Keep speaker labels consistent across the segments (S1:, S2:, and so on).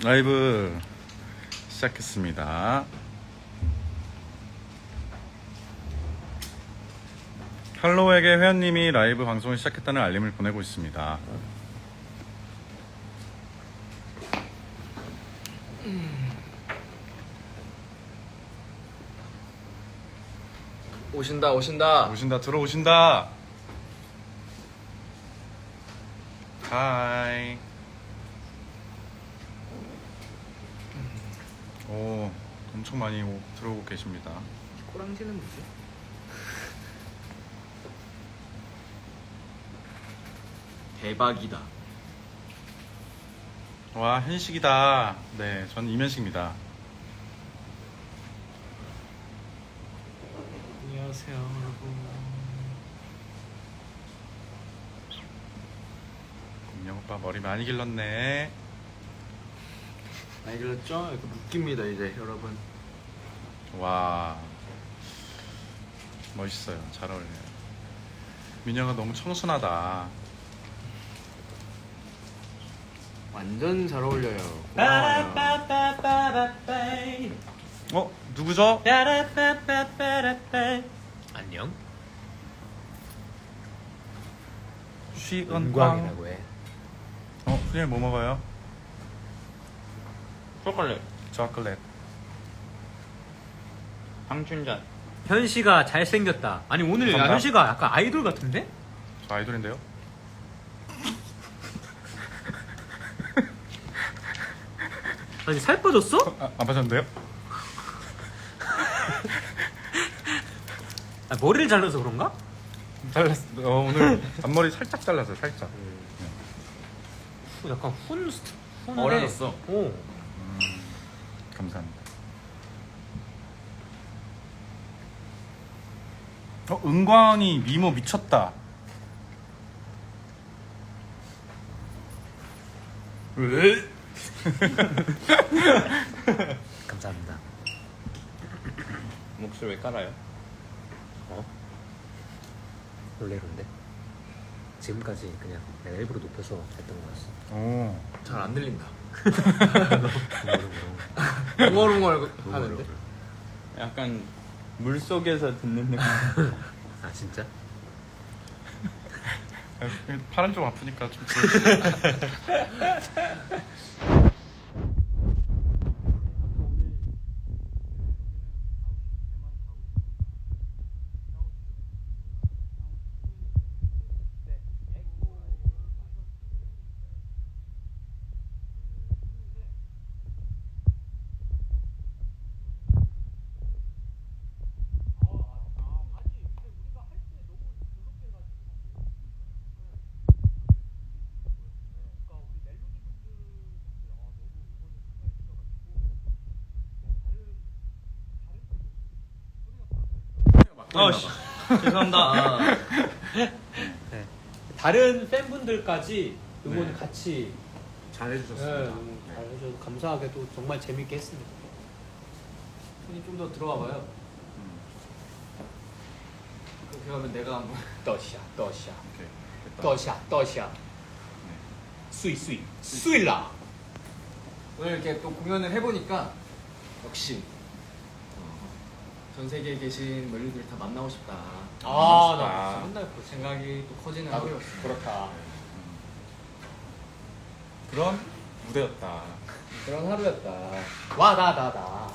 S1: 라이브 시작했습니다. 할로에게 회원님이 라이브 방송을 시작했다는 알림을 보내고 있습니다.
S2: 오신다.
S1: 들어오신다. 하이. 오, 엄청 많이 들어오고 계십니다.
S2: 꼬랑지는 뭐지? 대박이다.
S1: 와, 현식이다. 네, 저는 이면식입니다.
S2: 안녕하세요, 여러분.
S1: 공룡 오빠 머리 많이 길렀네.
S2: 많이 길렀죠? 이거 묶입니다 이제 여러분.
S1: 와, 멋있어요. 잘 어울려요. 민혁아 너무 청순하다.
S2: 완전 잘 어울려요. 고마워요.
S1: 어? 누구죠?
S2: 안녕.
S1: 쉬은광.
S2: 은광이라고 해.
S1: 수님 뭐 먹어요?
S3: 초콜릿
S1: 초콜릿.
S3: 방춘전.
S4: 현씨가 잘생겼다. 아니 오늘 야,
S1: 감사합니다.
S4: 현씨가 약간 아이돌 같은데?
S1: 저 아이돌인데요?
S4: 아니 살 빠졌어?
S1: 안 빠졌는데요?
S4: 아, 머리를 잘라서 그런가?
S1: 잘랐어. 오늘 앞머리 살짝 잘랐어요. 살짝.
S4: 약간 훈
S2: 어려졌어.
S4: 오.
S1: 감사합니다. 은광이 미모 미쳤다.
S2: 왜?
S4: 감사합니다.
S3: 목소리 왜 깔아요?
S4: 놀래는데 지금까지 그냥 내가 일부러 높여서 했던 거였어.
S1: 오.
S2: 잘 안 들린다.
S4: 웅얼웅얼.
S2: 웅얼웅얼 하는데.
S3: 약간 물 속에서 듣는 느낌.
S4: 아 진짜?
S1: 팔은 좀 아프니까 좀.
S3: 아씨 죄송합니다.
S4: 네. 다른 팬분들까지 응원
S1: 네.
S4: 같이
S1: 잘해주셨습니다.
S4: 잘해줘서 감사하게도 정말 재밌게 했습니다.
S2: 손이 좀 더 들어와 봐요. 그렇게 하면 내가 한번
S4: 떠샤
S1: 오케이. 됐다.
S4: 떠샤 수이라.
S2: 오늘 이렇게 또 공연을 해보니까 역시 전 세계에 계신 멜로디를 다 만나고 싶다.
S4: 나 맨날 그
S2: 생각이 또 커지는 하루였어.
S4: 그렇다.
S1: 그런 무대였다.
S2: 그런 하루였다.
S4: 와다다다.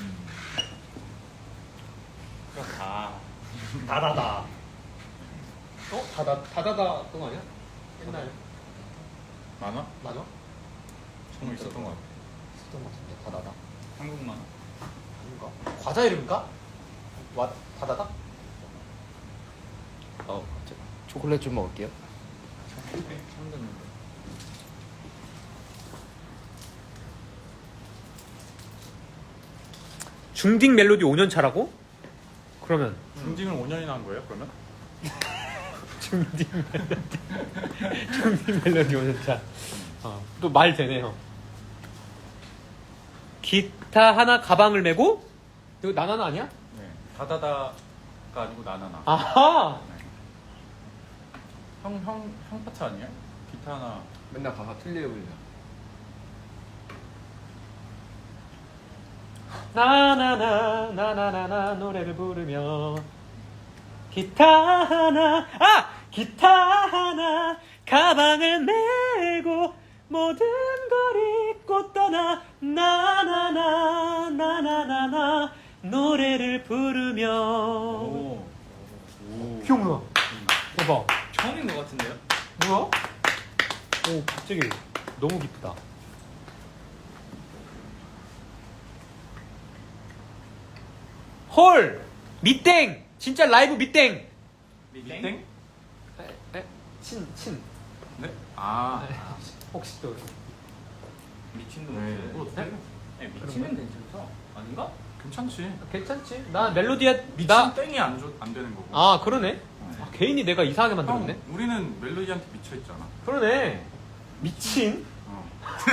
S3: 그렇다.
S4: 다다다. 다다다 그거 아니야? 옛날
S1: 만화?
S4: 만화?
S1: 처음 있었던 것 같아.
S4: 있었던 것 같은데 다다다.
S3: 한국만.
S4: 아닌가? 과자 이름인가? 와 다다다?
S2: 갑자기 초콜릿 좀 먹을게요.
S3: 처음 듣는데.
S4: 중딩 멜로디 5년 차라고? 그러면
S1: 중딩을 5년이나 한 거예요? 그러면?
S4: 중딩 멜로디 5년 차. 또 말 되네요. 기타 하나 가방을 메고 이거 나나나 아니야?
S1: 네. 다다다가 아니고 나나나.
S4: 아하.
S1: 네. 형 파트 아니에요? 기타 하나.
S2: 맨날 가사 틀려 보이냐.
S4: 나나나 나나나나 노래를 부르며 기타 하나 가방을 메고 모든 걸 잊고 떠나 나나나 나나나나 노래를 부르며.
S3: 오.
S4: 귀여워. 뭐야? 대박.
S2: 처음인 것 같은데요?
S4: 뭐야? 오 갑자기 너무 기쁘다. 헐 밑땡 진짜 라이브 밑땡.
S2: 미땡?
S4: 친
S1: 네? 아,
S4: 혹시 또
S2: 미친도
S1: 네. 뭐
S2: 못해.
S1: 어떡해?
S2: 네, 미친은 괜찮다. 아닌가?
S1: 괜찮지.
S4: 괜찮지? 나 멜로디야
S1: 미친
S4: 나.
S1: 땡이 안 되는 거고.
S4: 아 그러네. 아, 개인이 내가 이상하게 만들었네.
S1: 형, 우리는 멜로디한테 미쳐있잖아.
S4: 그러네. 미친.
S1: 어.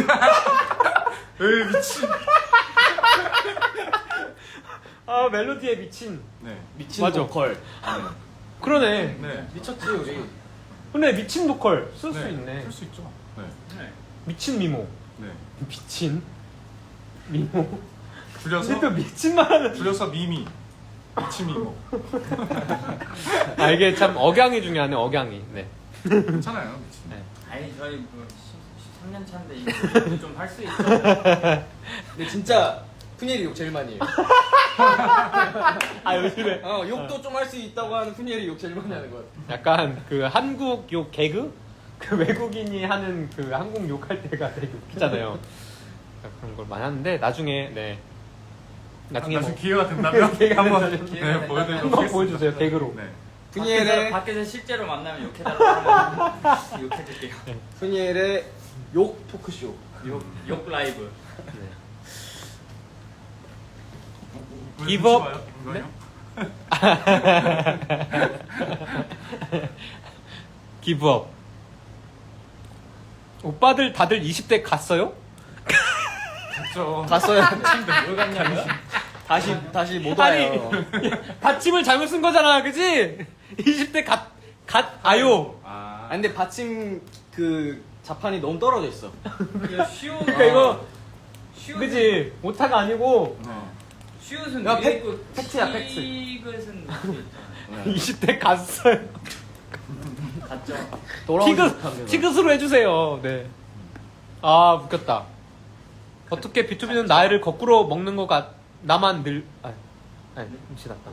S2: 에이 미친.
S4: 아 멜로디에 미친.
S1: 네.
S2: 미친
S4: 맞아.
S2: 보컬.
S4: 그러네.
S1: 네.
S2: 미쳤지 우리.
S4: 근데 미친 보컬 쓸 수
S1: 네.
S4: 있네.
S1: 쓸 수 있죠. 네.
S2: 네.
S4: 미친 미모.
S1: 네.
S4: 미친 미모.
S1: 줄여서
S4: 근데 또 미친 말하는.
S1: 줄여서 미미. 미친 미모.
S4: 아 이게 참 억양이 중요하네. 억양이. 네.
S1: 괜찮아요. 미친.
S4: 네.
S2: 아니 저희 뭐 13년 차인데 이거 좀 할 수 있죠. 근데 진짜 푸니엘이 욕 제일 많이 해요.
S4: 아 요즘에
S2: 욕도 좀 할 수 있다고 하는 푸니엘이 욕 제일 많이 하는 것 같아.
S4: 약간 그 한국 욕 개그? 그 외국인이 하는 그 한국 욕할 때가 되게 웃기잖아요. 그런 걸 많이 하는데 나중에 네 나중에
S1: 나중에
S4: 뭐
S1: 기회가 된다면
S4: 기회가
S1: 한번
S4: 된다면
S1: 네, 보여드리도록
S4: 한번
S1: 하겠습니다.
S4: 보여주세요 개그로.
S1: 네.
S2: 푸니엘의
S5: 밖에서 실제로 만나면 욕해달라고 하면 욕해줄게요.
S2: 푸니엘의 욕 토크쇼.
S5: 욕 라이브.
S1: 왜
S4: Give
S1: 눈치
S4: up.
S1: 봐요? 이거요?
S4: 기브업. 오빠들 다들 20대 갔어요?
S1: 그렇죠.
S2: 갔어요. 뭘 갔냐고요? 다시 못 와요.
S4: 받침을 잘못 쓴 거잖아, 그지? 20대 아요.
S1: 아,
S2: 아 근데 받침 그 자판이 너무 떨어져 있어.
S5: 이거 쉬운
S4: 그러니까 이거
S5: 쉬운
S4: 그지? 오타가 아니고
S1: 네.
S5: 쉬운은
S2: 야,
S5: 위에 있고
S2: 팩트야, 팩트.
S5: 시그은 있잖아.
S4: 20대 갔어요.
S5: 맞죠?
S2: 돌아오지 못합니다.
S4: 티귿으로 해주세요. 네. 아 웃겼다. 어떻게 B2B는 나이를 거꾸로 먹는 것 같? 나만 늘. 아니 지났다.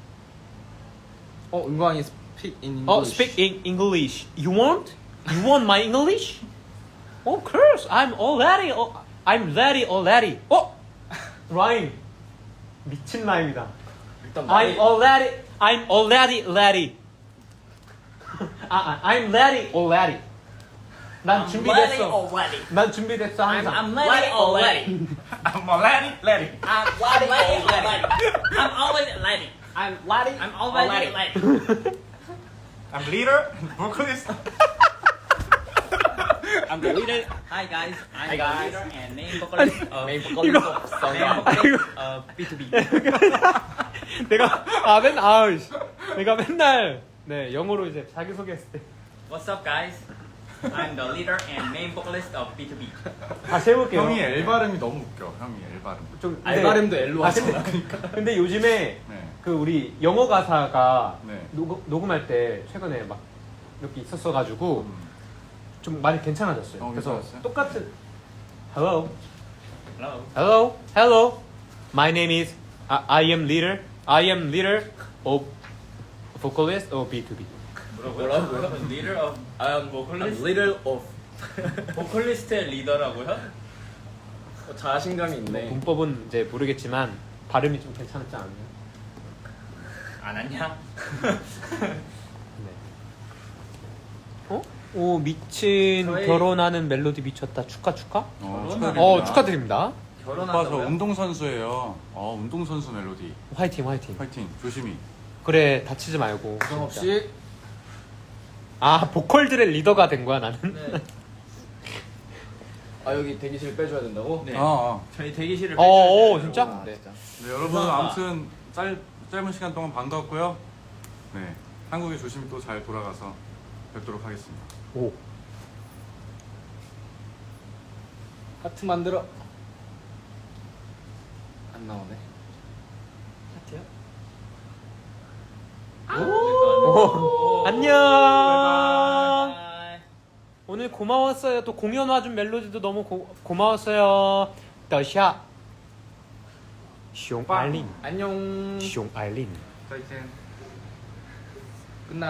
S2: 은광이 speak in English.
S4: Speak in English. You want? You want my English? Of course. I'm ready already. 라임. 미친 라임이다.
S2: 일단
S4: I'm already ready. I'm ready already. 난 준비됐어.
S5: already.
S4: 난 준비됐어 항상.
S5: I'm ready already.
S1: I'm already ready.
S5: I'm ready already. I'm always ready.
S4: I'm ready.
S5: I'm already ready.
S1: I'm leader and vocalist.
S5: I'm the leader. Hi guys. I'm the leader and main vocalist of
S2: main vocalist
S4: 이거-
S2: of
S5: main
S2: Songam.
S5: vocalist of B2B.
S4: 내가 맨날 네 영어로 이제 자기 소개했을 때
S5: What's up guys? I'm the leader and main vocalist of B2B.
S4: 다시 해볼게요.
S1: 형이 L 발음이 너무 웃겨. 형이 L 발음.
S4: 좀
S2: 알바름도 L로 하잖아.
S4: 근데 요즘에
S1: 네.
S4: 그 우리 영어 가사가
S1: 네.
S4: 녹음할 때 최근에 막 이렇게 있었어가지고 좀 많이 괜찮아졌어요. 그래서
S1: 괜찮았어요?
S4: 똑같은 Hello,
S5: Hello.
S4: hello, hello. My name is I am leader of vocalist of B2B.
S5: 뭐라고요? Leader of
S2: I'm
S5: vocalist?
S2: little of
S5: 보컬리스트의 리더라고요?
S2: 자신감이 있네.
S4: 문법은 이제 모르겠지만 발음이 좀 괜찮지 않나요?
S5: 안 왔냐?
S4: 네. 오 미친
S5: 저희-
S4: 결혼하는 멜로디 미쳤다. 축하. 축하드립니다.
S1: 오빠 저
S5: 결혼한다고요?
S1: 운동선수예요. 운동선수 멜로디.
S4: 화이팅.
S1: 파이팅. 조심히.
S4: 그래 다치지 말고.
S2: 부정
S4: 진짜.
S2: 없이
S4: 보컬들의 리더가 된 거야 나는.
S5: 네.
S2: 여기 대기실 빼줘야 된다고?
S5: 네.
S1: 아.
S5: 저희 대기실을
S4: 진짜?
S2: 아,
S4: 네.
S2: 진짜.
S1: 네, 여러분
S5: 감사합니다.
S1: 아무튼 짧은 시간 동안 반가웠고요. 네. 한국에 조심히 또 잘 돌아가서 뵙도록 하겠습니다.
S4: 오.
S2: 하트 만들어. 안 안 나오네.
S4: 하트요?
S5: 오.
S4: 안녕.
S5: 바이바이.
S4: 오늘 고마웠어요. 또 공연 와준 멜로디도 너무 고마웠어요. 더샤. 숑 아일린.
S2: 안녕.
S4: 숑 아일린.
S1: 再见。